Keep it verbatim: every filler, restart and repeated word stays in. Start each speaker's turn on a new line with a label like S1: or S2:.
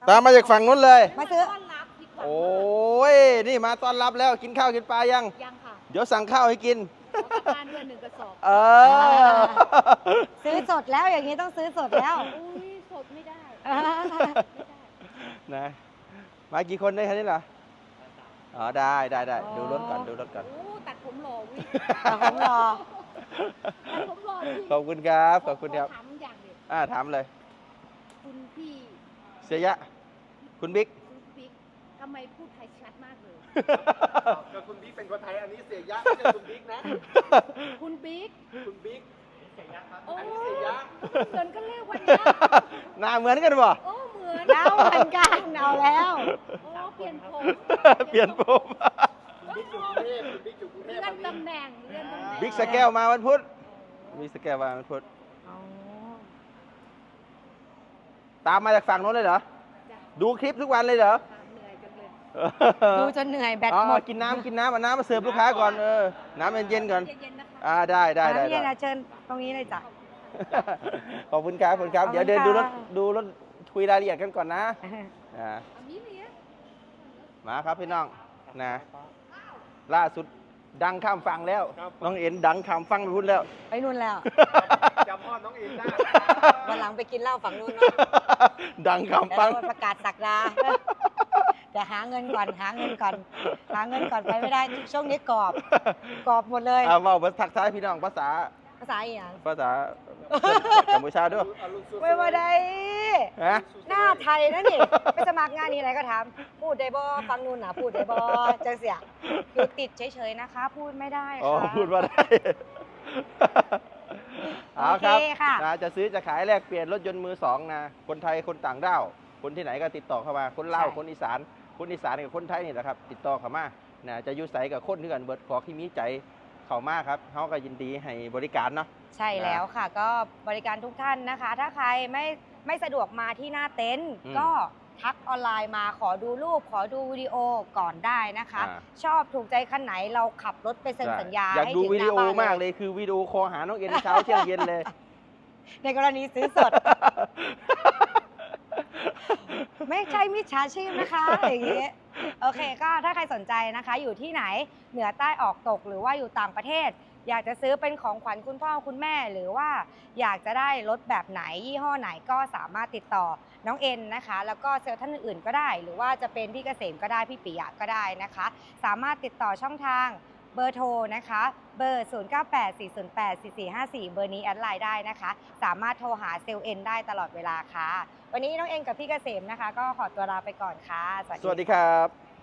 S1: ตามมาจากฝั่งนู้นเลย
S2: มาซื้อ
S1: โอ้ยนี่มาต้อนรับแล้วกินข้าวกินปลายัง
S3: ยังค่ะ
S1: เดี๋ยวสั่งข้าวให้กิน
S3: ขอกลับบ้านด้วยหนึ่งกระสอบ
S1: เออ
S2: ซื้อสดแล้วอย่างนี้ต้องซื้อสดแล้ว
S3: อุ้ยสดไม่ได้
S1: นะมากี่คนได้คะนี่เหรออ๋อได้ได้ได้ดูรถก่อนดูรถก่อน
S3: โอ้ตัดผมหล่อวิ
S2: ตัดผมหล่อ
S3: ตัดผมหล่อ
S1: ขอบคุณครับขอบคุณครับ
S3: ถามอย่างเดียว
S1: อ่าถามเลย
S3: คุณพี่
S1: เสียยะคุณบิ๊ก
S3: คุณบิ๊กทำไมพูดไทยชัดมากเลย
S4: ก็คุณบิ๊กเป็นคนไทยอันนี้เสียยะไม่ใช่คุณบิ๊กนะ
S3: คุณบิ๊ก
S4: คุณบิ๊กเสียยะครับ
S3: อัน
S4: นี้เสียยะ
S3: เหมือนกันเลยวันนี้
S1: หน้าเหมือนกันป่ะ
S3: โอ้เหมือน
S2: เอาเหมือนกันเอาแล้ว
S3: โอ้เปลี่ยนผม
S1: เปลี่ยนผม
S4: บิ๊กจุกรุงเทพคุณบิ๊กจุกรุงเทพ
S3: เลื่อนตำแหน่งเลื่อนตำแหน่ง
S1: บิ๊กสแกลมาวันพุธบิ๊กสแกลมาวันพุธตามมาจากฝั่งโน้นเลยเหรอดูคลิปทุกวันเลยเหรอ
S2: ดูจนเหนื่อยแบตหมด
S1: กินน้ำกินน้ำเอาน้ำมาเสิร์ฟลูกค้าก่อนเออน้ำเย็นๆก่อนอ่าได้ได้ได้
S2: น้ำเย็นนะเชิญตรงนี้เลยจ้ะ
S1: ขอบคุณครับขอบคุณครับเดี๋ยวเดินดูรถดูรถคุยรายละเอียดกันก่อนนะอ่ามาครับพี่น้องนะล่าสุดดังข้ามฟังแล้วน้องเอ็นดังข้ามฟังไปพูดแล้ว
S2: ไปนู่นแล้ว
S4: จำพ่อน้องเอ็นได้
S2: วันหลังไปกินเหล้าฝั่งนู่น
S1: ดังข้ามฟัง
S2: ประกาศสักดาแต่หาเงินก่อนหาเงินก่อนหาเงินก่อนไปไม่ได้ช่วงนี้กรอบกรอบหมดเลย
S1: เอาเอาทักทายพี่น้องภาษา
S2: ภาษาอย่าง
S1: ภาษากัมพูชาด้วย
S2: ไม่มาได้หน้าไทยนะนี่ไปสมัครงานนี่อะไรก็ถามพูดได้บ่ฟังนู่นนะพูดได้บ่จังเสียอยู่ติดเฉยๆนะคะพูดไม่ได้ค่ะ
S1: อ๋อพูดว่าได้เอาครับจะซื้อจะขายแลกเปลี่ยนรถยนต์มือสองนะคนไทยคนต่างด้าวคนที่ไหนก็ติดต่อเข้ามาคนลาวคนอีสานคนอีสานกับคนไทยนี่แหละครับติดต่อเข้ามานะจะยุ่ใสกับคนที่กันเบิดขอที่มีใจเข้ามาครับเขาก็ยินดีให้บริการเนาะ
S2: ใช่แล้วค่ะก็บริการทุกท่านนะคะถ้าใครไม่ไม่สะดวกมาที่หน้าเต็นท์ก็ทักออนไลน์มาขอดูรูปขอดูวิดีโอก่อนได้นะคะชอบถูกใจคันไหนเราขับรถไปเซ็นสัญญา
S1: อยากดูวิดีโอมากเลยคือวิดีโอคอหาน้องเอ็นเช้าเที่ยงเย็นเลย
S2: ในกรณีซื้อสดไม่ใช่มิจฉาชีพนะคะอย่างนี้โอเคก็ถ้าใครสนใจนะคะอยู่ที่ไหนเหนือใต้ออกตกหรือว่าอยู่ต่างประเทศอยากจะซื้อเป็นของขวัญคุณพ่อคุณแม่หรือว่าอยากจะได้รถแบบไหนยี่ห้อไหนก็สามารถติดต่อน้องเอ็นนะคะแล้วก็เซลล์ท่านอื่นๆก็ได้หรือว่าจะเป็นพี่เกษมก็ได้พี่ปิยะก็ได้นะคะสามารถติดต่อช่องทางเบอร์โทรนะคะเบอร์ ศูนย์ เก้า แปด สี่ ศูนย์ แปด สี่ สี่ ห้า สี่ เบอร์นี้แอดไลน์ได้นะคะสามารถโทรหาเซลล์เอ็นได้ตลอดเวลาค่ะวันนี้น้องเอ็นกับพี่เกษมนะคะก็ขอตัวลาไปก่อนค่ะ
S1: สวัสดีครับ